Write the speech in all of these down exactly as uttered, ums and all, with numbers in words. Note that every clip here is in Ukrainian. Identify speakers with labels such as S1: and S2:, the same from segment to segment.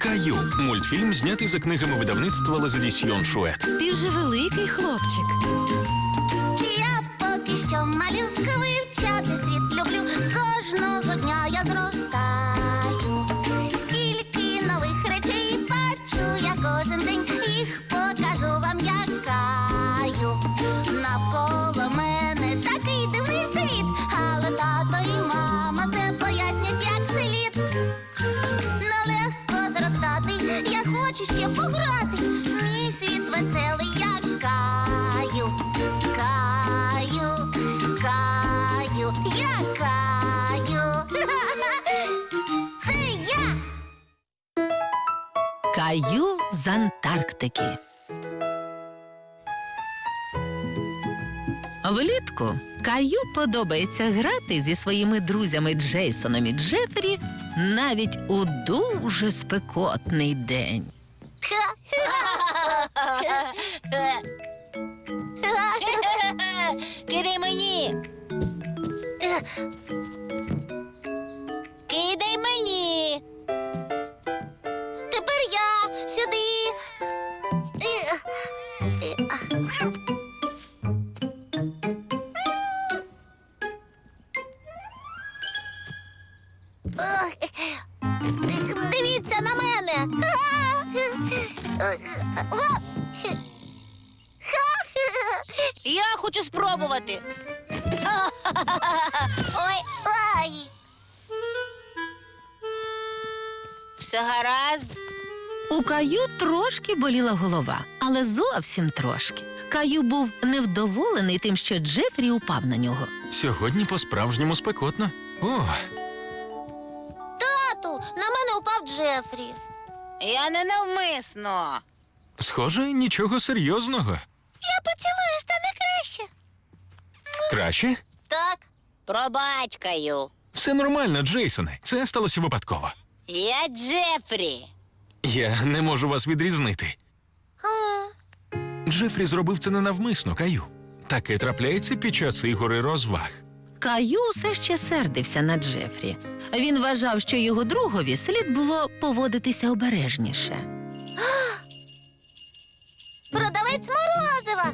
S1: Каю. Мультфільм знятий за книгами видавництва Лазадісьйон Шует.
S2: Ти вже великий хлопчик.
S3: Я поки що малюка, вивчати світ люблю. Кожного дня я зростаю. Стільки нових речей бачу я кожен день. Їх покажу вам, як Каю. Навколо мене такий дивний світ, але тато і мама все пояснять, як слід. Нелегко зростати, я хочу ще пограти. Мій світ веселий, як Каю. Каю, Каю, я Каю. Це я.
S2: Каю з Антарктики. Влітку Каю подобається грати зі своїми друзями Джейсоном і Джефрі навіть у дуже спекотний день.
S3: Кидай мені. Кидай мені. Тепер я сюди. Дивіться на мене.
S4: Я хочу спробувати.
S3: Ой, ай.
S4: Все гаразд.
S2: У Каю трошки боліла голова, але зовсім трошки. Каю був невдоволений тим, що Джефрі упав на нього.
S1: Сьогодні по-справжньому спекотно. О,
S3: Тату, на мене упав Джефрі.
S4: Я не навмисно.
S1: схоже, нічого серйозного.
S3: Я поцілую, стане краще.
S1: Краще?
S3: Так.
S4: Пробачкаю.
S1: Все нормально, Джейсоне. Це сталося випадково.
S4: Я Джефрі.
S1: Я не можу вас відрізнити. Джефрі зробив це ненавмисно, Каю. Таке трапляється під час ігор і розваг.
S2: Каю все ще сердився на Джефрі. Він вважав, що його другові слід було поводитися обережніше.
S3: Продавець морозива.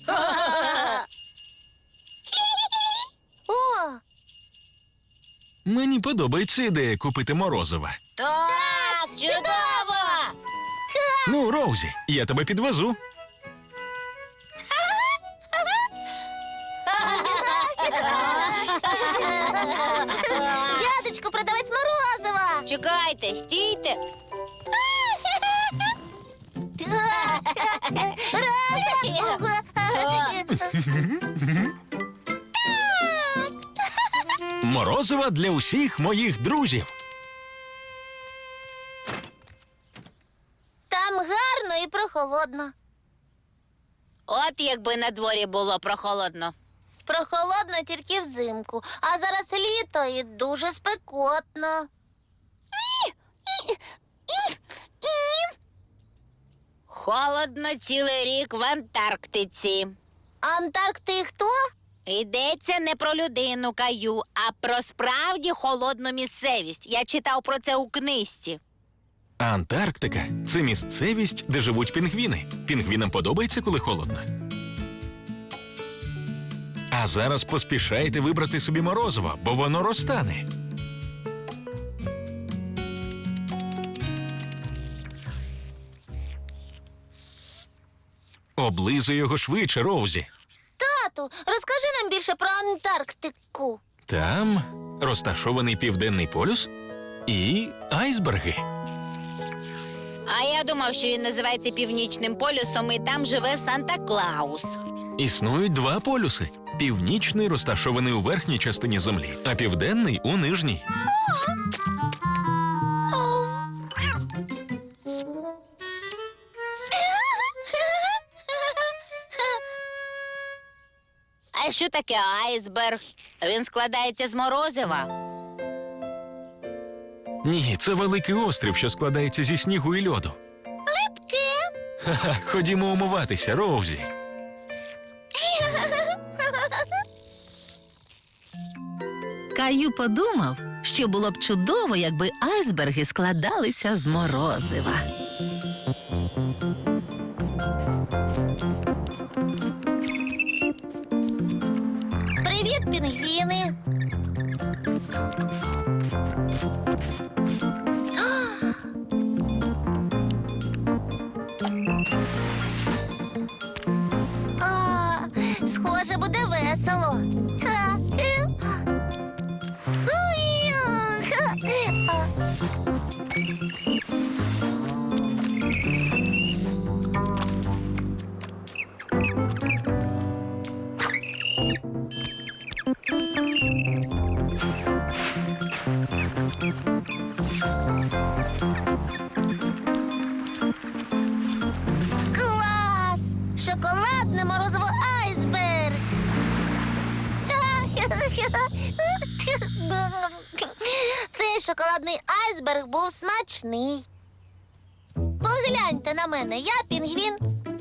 S3: О,
S1: Мені подобається ідея купити морозива.
S4: Так, чудово!
S1: Ну, Роузі, я тебе підвезу.
S3: дядечко, продавець морозива.
S4: Чекайте, стійте.
S1: Морозива для усіх моїх друзів.
S3: Там гарно і прохолодно.
S4: От якби на дворі було прохолодно.
S3: Прохолодно тільки взимку, а зараз літо і дуже спекотно.
S4: Холодно цілий рік в Антарктиці.
S3: Антаркти хто?
S4: Йдеться не про людину, Каю, а про справді холодну місцевість. Я читав про це у книжці.
S1: Антарктика – це місцевість, де живуть пінгвіни. Пінгвінам подобається, коли холодно. А зараз поспішайте вибрати собі морозиво, бо воно розтане. Облизуй його швидше, Роузі.
S3: Тату, розкажи нам більше про Антарктику.
S1: Там розташований Південний полюс і айсберги.
S4: А я думав, що він називається Північним полюсом, і там живе Санта-Клаус.
S1: Існують два полюси. Північний розташований у верхній частині землі, а південний – у нижній.
S4: А що таке айсберг? Він складається з морозива.
S1: Ні, це великий острів, що складається зі снігу і льоду.
S3: Липке.
S1: Ха-ха, ходімо умиватися, Роузі.
S2: Каю подумав, що було б чудово, якби айсберги складалися з морозива.
S3: Привіт, пінгвіни! А, схоже, буде весело. Ха, е. Ой, ха, а. Клас! Шоколадне морозиво айсберг! Цей шоколадний айсберг був смачний. Погляньте на мене, я пінгвін.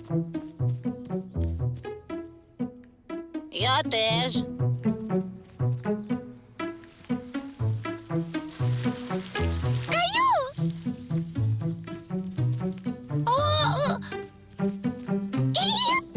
S4: Я теж.
S3: Каю! О, о! І!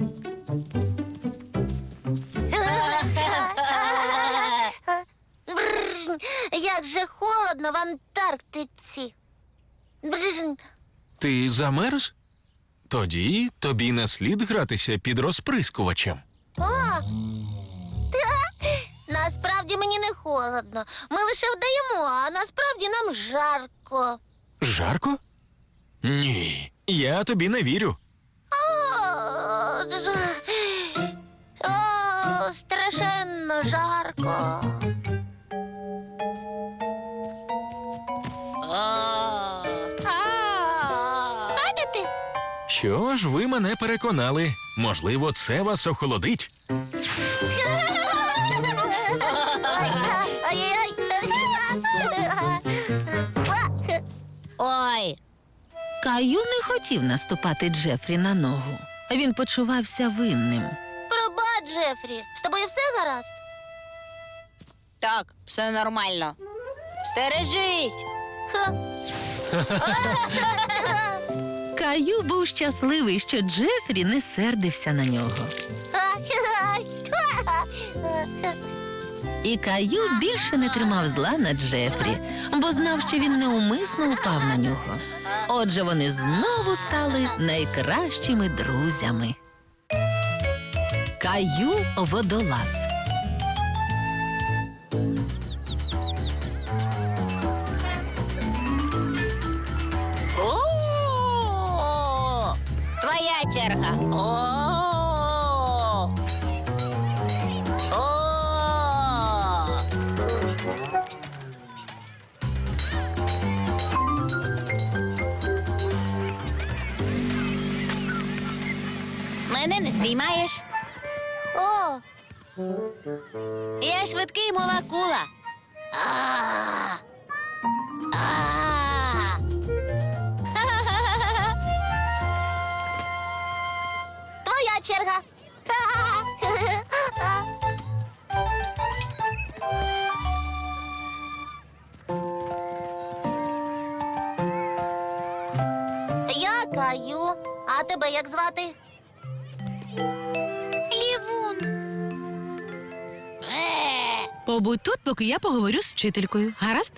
S3: Бррр, як же холодно в Антарктиці. Бррр.
S1: Ти замерз? Тоді тобі не слід гратися під розприскувачем.
S3: О! Та, насправді мені не холодно. Ми лише вдаємо, а насправді нам жарко.
S1: Жарко? Ні, я тобі не вірю.
S3: О, о, страшенно жарко.
S4: А. А.
S3: Бачите?
S1: Що ж, ви мене переконали. Можливо, це вас охолодить.
S4: Ой,
S2: Каю не хотів наступати Джефрі на ногу. Він почувався винним.
S3: Пробач, Джефрі, з тобою все гаразд?
S4: так, все нормально. Стережись.
S3: Ха.
S2: Каю був щасливий, що Джефрі не сердився на нього. І Каю більше не тримав зла на Джефрі, бо знав, що він неумисно упав на нього. Отже, вони знову стали найкращими друзями. Каю водолаз.
S4: О, твоя черга. О. О. Мене не спіймаєш.
S3: О,
S4: Я швидкий, мов акула.
S3: а,
S4: А.
S3: твоя черга. Я Каю. А тебе як звати?
S4: Лівун. Е.
S5: Побудь тут, поки я поговорю з вчителькою. Гаразд?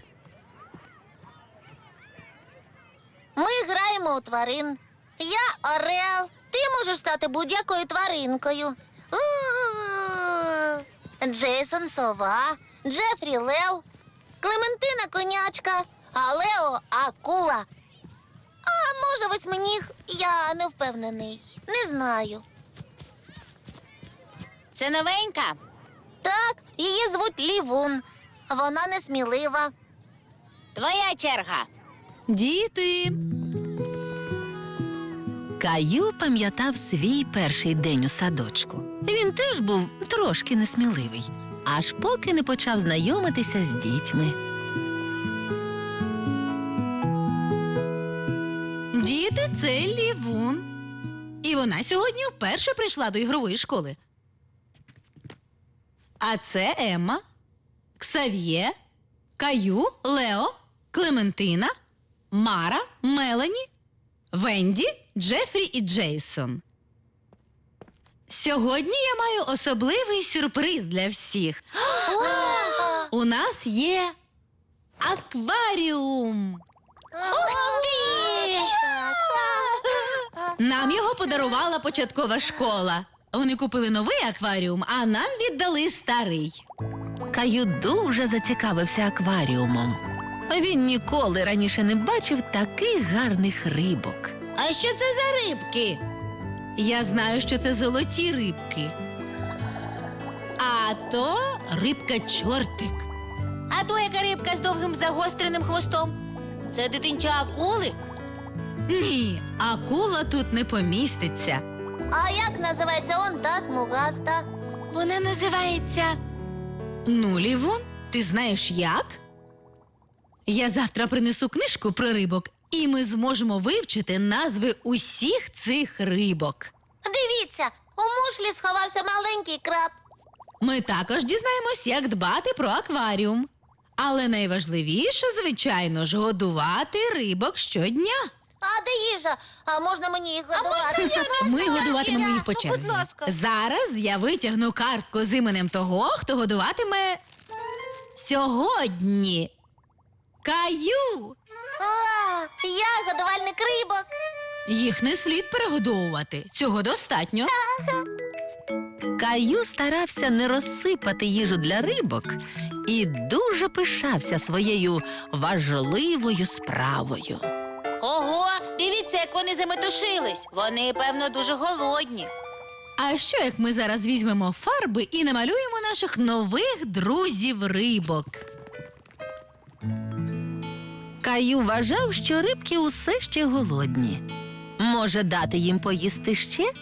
S3: Ми граємо у тварин. Я орел. Ти можеш стати будь-якою тваринкою. У-у-у. Джейсон сова, Джефрі лев, Клементина конячка, а Лео акула. А може восьминіг? Я не впевнений. Не знаю.
S4: Це новенька.
S3: Так, її звуть Лівун. Вона несмілива.
S4: Твоя черга.
S5: Діти.
S2: Каю пам'ятав свій перший день у садочку. Він теж був трошки несміливий, аж поки не почав знайомитися з дітьми.
S5: Діти, це Лівун. І вона сьогодні вперше прийшла до ігрової школи. А це Емма, Ксав'є, Каю, Лео, Клементина, Мара, Мелані, Венді, Джефрі і Джейсон. Сьогодні я маю особливий сюрприз для всіх. У нас є акваріум.
S3: Ух ти!
S5: Нам його подарувала початкова школа. Вони купили новий акваріум, а нам віддали старий.
S2: Каю дуже зацікавився акваріумом. Він ніколи раніше не бачив таких гарних рибок.
S5: А що це за рибки? Я знаю, що це золоті рибки. А то рибка-чортик.
S4: А то яка рибка з довгим загостреним хвостом? Це дитинча акули?
S5: Ні, акула тут не поміститься.
S3: А як називається он та смугаста?
S4: Вона називається...
S5: Ну, Лівон, ти знаєш як? Я завтра принесу книжку про рибок, і ми зможемо вивчити назви усіх цих рибок.
S3: Дивіться, у мушлі сховався маленький краб.
S5: Ми також дізнаємось, як дбати про акваріум. Але найважливіше, звичайно ж, годувати рибок щодня.
S3: А де їжа? А можна мені їх годувати?
S5: Ми годуватимемо їх по
S3: Будь
S5: черзі.
S3: ласка.
S5: Зараз я витягну картку з іменем того, хто годуватиме сьогодні. Каю!
S3: А, я годувальник рибок.
S5: Їх не слід перегодовувати. Цього достатньо.
S2: Каю старався не розсипати їжу для рибок і дуже пишався своєю важливою справою.
S4: Ого, дивіться, як вони заметушились. Вони, певно, дуже голодні.
S5: А що, як ми зараз візьмемо фарби і намалюємо наших нових друзів-рибок?
S2: Каю вважав, що рибки усе ще голодні. Може, дати їм поїсти ще?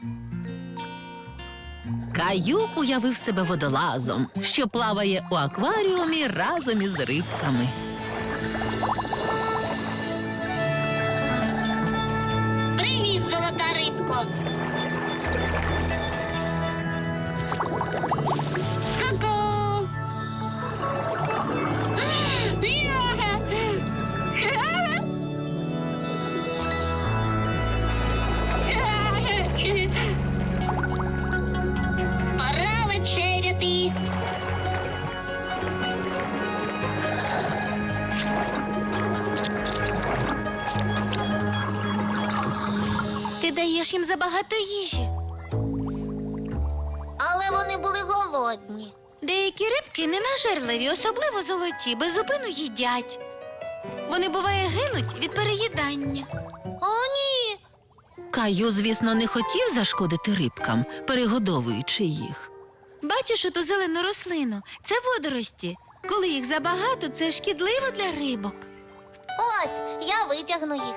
S2: Каю уявив себе водолазом, що плаває у акваріумі разом із рибками.
S3: Привіт, золота рибко. Ку-ку. Пора вечеряти.
S4: Ти даєш їм забагато їжі.
S3: Але вони були голодні.
S4: Деякі рибки ненажерливі, особливо золоті, без зупину їдять. Вони, буває, гинуть від переїдання.
S3: О, ні.
S2: Каю, звісно, не хотів зашкодити рибкам, перегодовуючи їх.
S4: Бачиш оту зелену рослину? Це водорості. Коли їх забагато, це шкідливо для рибок.
S3: Ось, я витягну їх.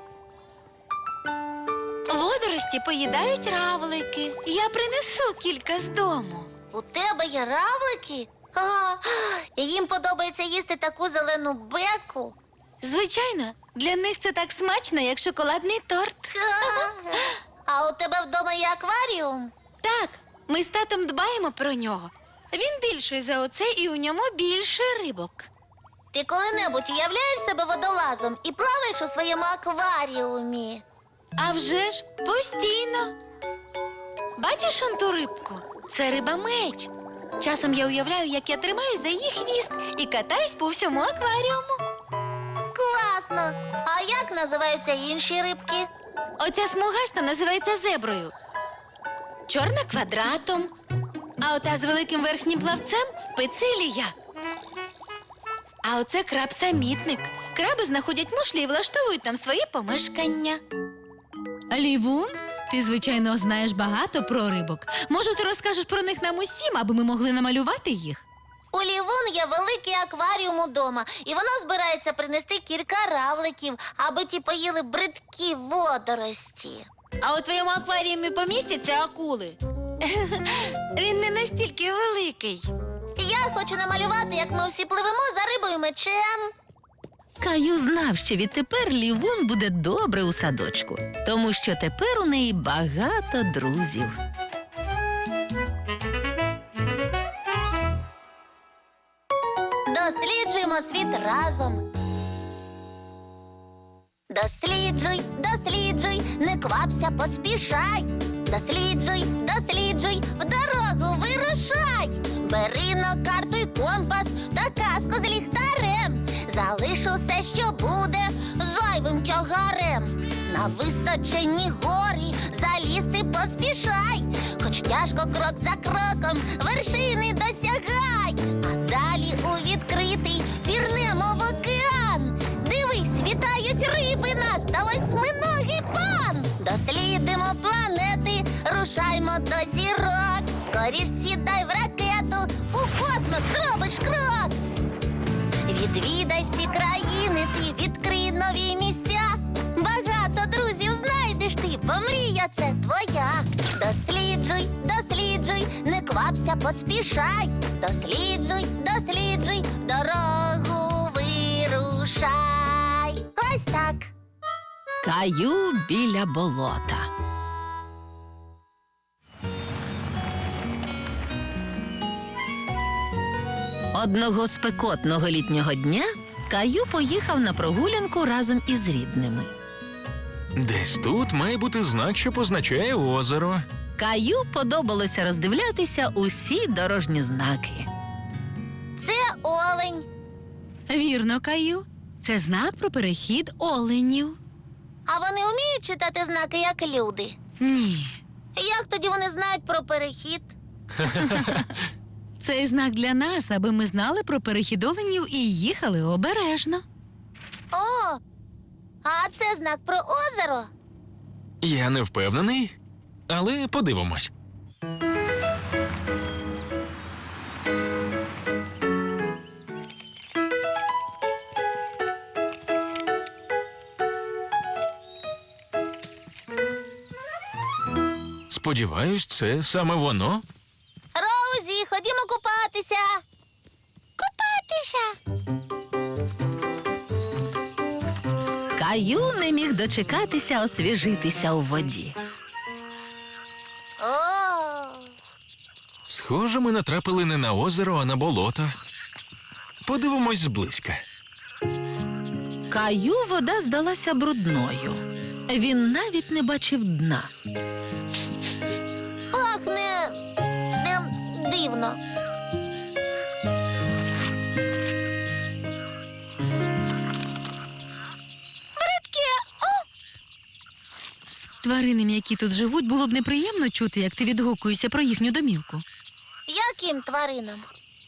S4: Водорості поїдають равлики. Я принесу кілька з дому.
S3: У тебе є равлики? А, і їм подобається їсти таку зелену беку.
S4: Звичайно, для них це так смачно, як шоколадний торт.
S3: А у тебе вдома є акваріум?
S4: Так, ми з татом дбаємо про нього. Він більший за оце, і у ньому більше рибок.
S3: Ти коли-небудь уявляєш себе водолазом і плаваєш у своєму акваріумі?
S4: А вже ж постійно. Бачиш он ту рибку? Це риба-меч. Часом я уявляю, як я тримаю за її хвіст і катаюсь по всьому акваріуму.
S3: Класно! А як називаються інші рибки?
S4: Оця смугаста називається зеброю. Чорна квадратом. А ота з великим верхнім плавцем пицилія. А оце краб-самітник. Краби знаходять мушлі і влаштовують там свої помешкання.
S5: Лівун, ти, звичайно, знаєш багато про рибок. Може, ти розкажеш про них нам усім, аби ми могли намалювати їх?
S3: У Лівун є великий акваріум удома, і вона збирається принести кілька равликів, аби ті поїли бридкі водорості.
S4: А у твоєму акваріумі помістяться акули? Він не настільки великий.
S3: Я хочу намалювати, як ми всі пливемо за рибою мечем.
S2: Каю знав, що відтепер Лівун буде добре у садочку, тому що тепер у неї багато друзів.
S3: Досліджуємо світ разом. Досліджуй, досліджуй, не квапся, поспішай. Досліджуй, досліджуй, в дорогу вирушай. Бери на карту й компас та казку з ліхтарем. Залиш усе, що буде зайвим тягарем. На височенні горі залізти поспішай. Хоч тяжко крок за кроком вершини досягай. А далі у відкритий пірнемо в океан. Дивись, вітають риби нас та восьминогий пан. Дослідимо планети, рушаймо до зірок. Скоріш сідай в ракету, у космос зробиш крок. Відвідай всі країни, ти відкрий нові місця. Багато друзів знайдеш ти, бо мрія це твоя. Досліджуй, досліджуй, не квапся, поспішай. Досліджуй, досліджуй, дорогу вирушай. Ось так.
S2: Каю біля болота. Одного спекотного літнього дня Каю поїхав на прогулянку разом із рідними.
S1: Десь тут має бути знак, що позначає озеро.
S2: Каю подобалося роздивлятися усі дорожні знаки.
S3: Це олень.
S5: Вірно, Каю. Це знак про перехід оленів.
S3: А вони вміють читати знаки, як люди?
S5: Ні.
S3: Як тоді вони знають про перехід?
S5: Цей знак для нас, аби ми знали про перехід оленів і їхали обережно.
S3: О, а це знак про озеро?
S1: Я не впевнений, але подивимось. Сподіваюсь, це саме воно.
S3: Роузі, ходімо купатися. Купатися.
S2: Каю не міг дочекатися освіжитися у воді.
S3: О,
S1: Схоже, ми натрапили не на озеро, а на болото. Подивимось зблизька.
S2: Каю вода здалася брудною. Він навіть не бачив дна.
S3: пахне ем, дивно. Бридке, о,
S5: Тваринам, які тут живуть, було б неприємно чути, як ти відгукуєшся про їхню домівку.
S3: яким тваринам?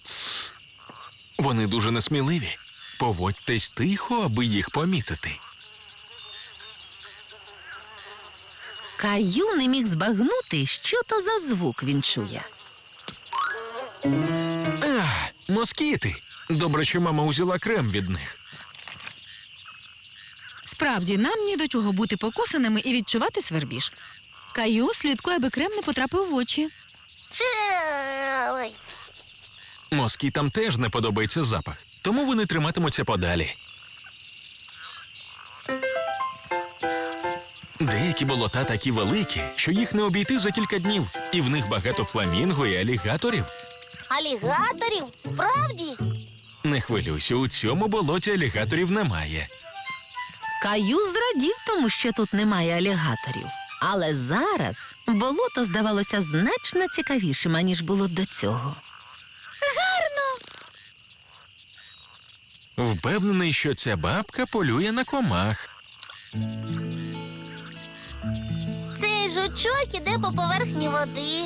S1: Вони дуже несміливі. Поводьтесь тихо, аби їх помітити.
S2: Каю не міг збагнути, що то за звук він чує.
S1: Ах, москіти. Добре, що мама узяла крем від них.
S5: Справді, нам ні до чого бути покусаними і відчувати свербіж. Каю, слідкуй, аби крем не потрапив в очі.
S3: Фе, ой.
S1: Москітам теж не подобається запах, тому вони триматимуться подалі. Деякі болота такі великі, що їх не обійти за кілька днів, і в них багато фламінго і алігаторів.
S3: Алігаторів? Справді?
S1: Не хвилюйся, у цьому болоті алігаторів немає.
S2: Каю зрадів тому, що тут немає алігаторів. Але зараз болото здавалося значно цікавішим, аніж було до цього.
S1: Впевнений, що ця бабка полює на комах.
S3: Цей жучок іде по поверхні води.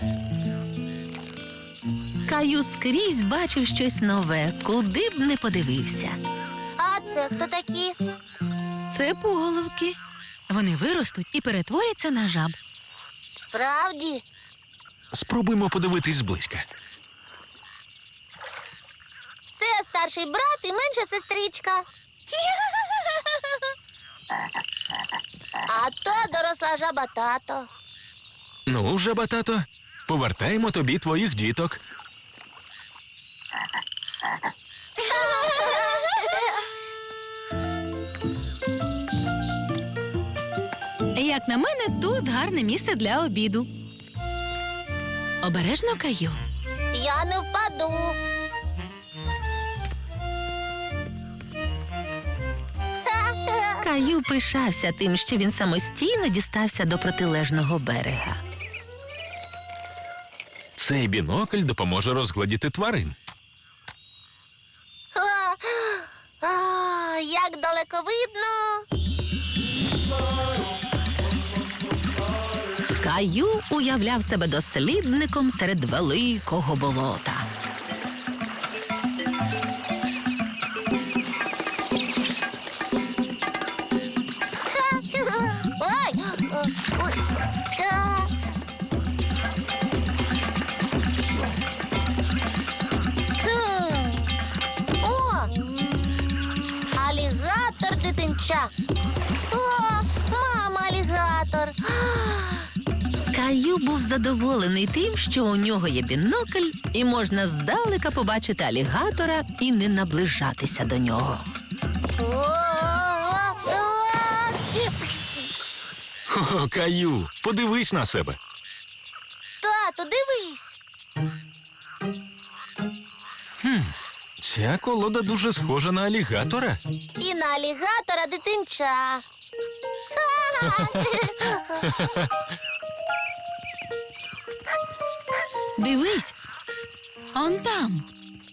S2: Каю скрізь бачив щось нове, куди б не подивився.
S3: А це хто такі?
S5: Це пуголовки. Вони виростуть і перетворяться на жаб.
S3: Справді?
S1: Спробуймо подивитись зблизька.
S3: Це старший брат і менша сестричка. А то доросла жаба тато.
S1: Ну, жаба тато, повертаємо тобі твоїх діток.
S5: Як на мене, тут гарне місце для обіду. Обережно, Каю.
S3: Я не впаду.
S2: Каю пишався тим, що він самостійно дістався до протилежного берега.
S1: Цей бінокль допоможе розгледіти тварин.
S3: А, а, як далеко видно.
S2: Каю уявляв себе дослідником серед великого болота.
S3: Ой, ой, а. Хм. О, алігатор дитинча. О, мама алігатор.
S2: Каю був задоволений тим, що у нього є бінокль, і можна здалека побачити алігатора і не наближатися до нього.
S1: О, Каю, подивись на себе.
S3: Тату, дивись.
S1: Ця колода дуже схожа на алігатора.
S3: І на алігатора дитинча.
S5: Дивись, он там.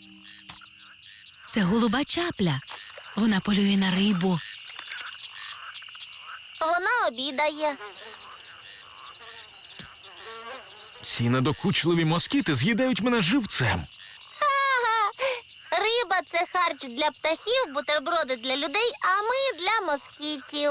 S5: Це голуба чапля. Вона полює на рибу.
S3: Вона обідає.
S1: Ці надокучливі москіти з'їдають мене живцем.
S3: Ага. Риба – це харч для птахів, бутерброди для людей, а ми для москітів.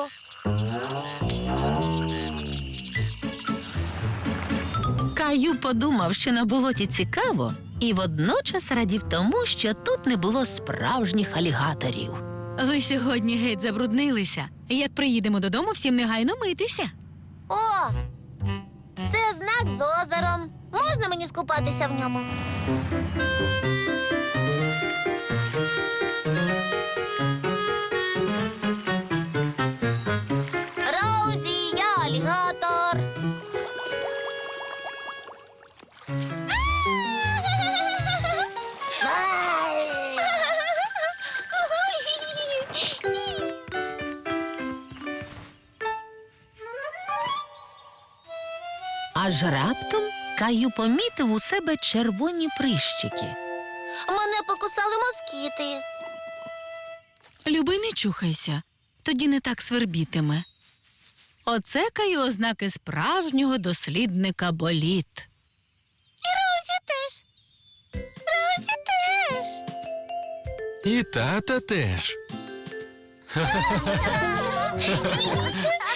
S2: Каю подумав, що на болоті цікаво, і водночас радів тому, що тут не було справжніх алігаторів.
S5: Ви сьогодні геть забруднилися. Як приїдемо додому, всім негайно митися.
S3: О, це знак з озером. Можна мені скупатися в ньому? Роузі, я алігатор.
S2: Аж раптом Каю помітив у себе червоні прищики.
S3: Мене покусали москіти.
S5: Люби, не чухайся, тоді не так свербітиме. Оце Каю ознаки справжнього дослідника боліт.
S3: І Роузі теж. Роузі теж.
S1: І тата теж.